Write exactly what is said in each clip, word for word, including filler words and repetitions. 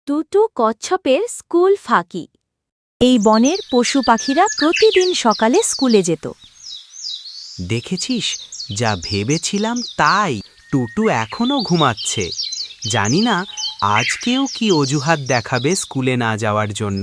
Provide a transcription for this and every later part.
টুটু কচ্ছপের স্কুল ফাঁকি। এই বনের পশু পাখিরা প্রতিদিন সকালে স্কুলে যেত। দেখেছিস, যা ভেবেছিলাম তাই। টুটু এখনো ঘুমাচ্ছে। জানি না আজকেও কি অজুহাত দেখাবে স্কুলে না যাওয়ার জন্য।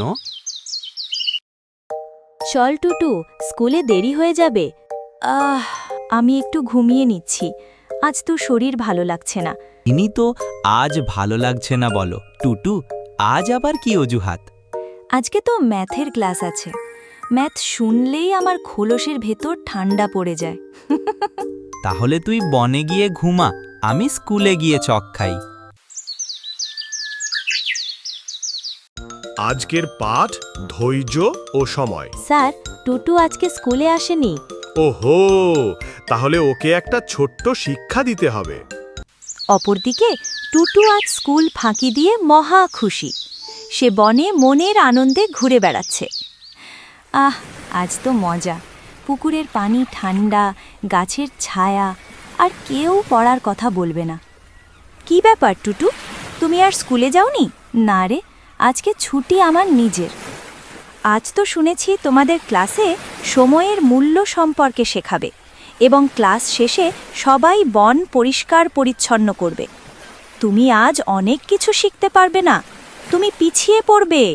চল টুটু, স্কুলে দেরি হয়ে যাবে। আহ আমি একটু ঘুমিয়ে নিচ্ছি, আজ তো শরীর ভালো লাগছে না। ইনি তো আজ ভালো লাগছে না বলো। টুটু, আজ আবার কি অজুহাত? আজকে তো ম্যাথের ক্লাস আছে। ম্যাথ শুনলেই আমার খোলসের ভেতর ঠান্ডা পড়ে যায়। তাহলে তুই বনে গিয়ে ঘুমা, আমি স্কুলে গিয়ে চক খাই। আজকের পাঠ ধৈর্য ও সময়। স্যার, টুটু আজকে স্কুলে আসেনি। ওহো, তাহলে ওকে একটা ছোট্ট শিক্ষা দিতে হবে। অপরদিকে টুটু আজ স্কুল ফাঁকি দিয়ে মহা খুশি। সে বনে মনের আনন্দে ঘুরে বেড়াচ্ছে। আহ আজ তো মজা। পুকুরের পানি ঠান্ডা, গাছের ছায়া, আর কেউ পড়ার কথা বলবে না। কি ব্যাপার টুটু, তুমি আর স্কুলে যাওনি? না রে, আজকে ছুটি আমার নিজের। আজ তো শুনেছি তোমাদের ক্লাসে সময়ের মূল্য সম্পর্কে শেখাবে এবং ক্লাস শেষে সবাই বন পরিষ্কার পরিচ্ছন্ন করবে। তুমি আজ অনেক কিছু শিখতে পারবে না, তুমি পিছিয়ে পড়বে।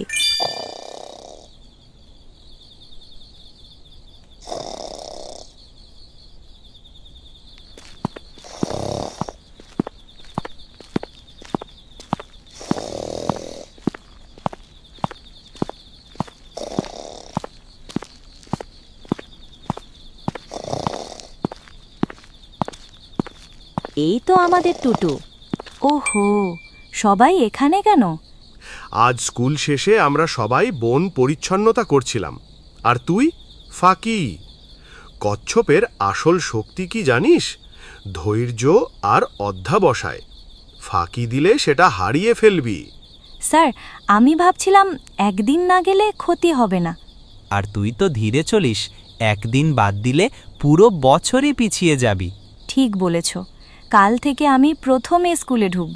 এই তো আমাদের টুটু। ওহো, সবাই এখানে কেন? আজ স্কুল শেষে আমরা সবাই বন পরিচ্ছন্নতা করছিলাম, আর তুই ফাঁকি। কচ্ছপের আসল শক্তি কি জানিস? ধৈর্য আর অধ্যাবসায়। ফাঁকি দিলে সেটা হারিয়ে ফেলবি। স্যার, আমি ভাবছিলাম একদিন না গেলে ক্ষতি হবে না। আর তুই তো ধীরে চলিস, একদিন বাদ দিলে পুরো বছরই পিছিয়ে যাবি। ঠিক বলেছ, কাল থেকে আমি প্রথমে স্কুলে ঢুকব।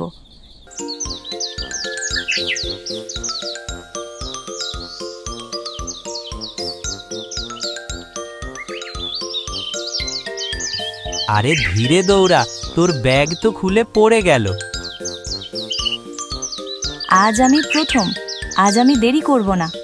আরে ধীরে দৌড়া, তোর ব্যাগ তো খুলে পড়ে গেল। আজ আমি প্রথম, আজ আমি দেরি করব না।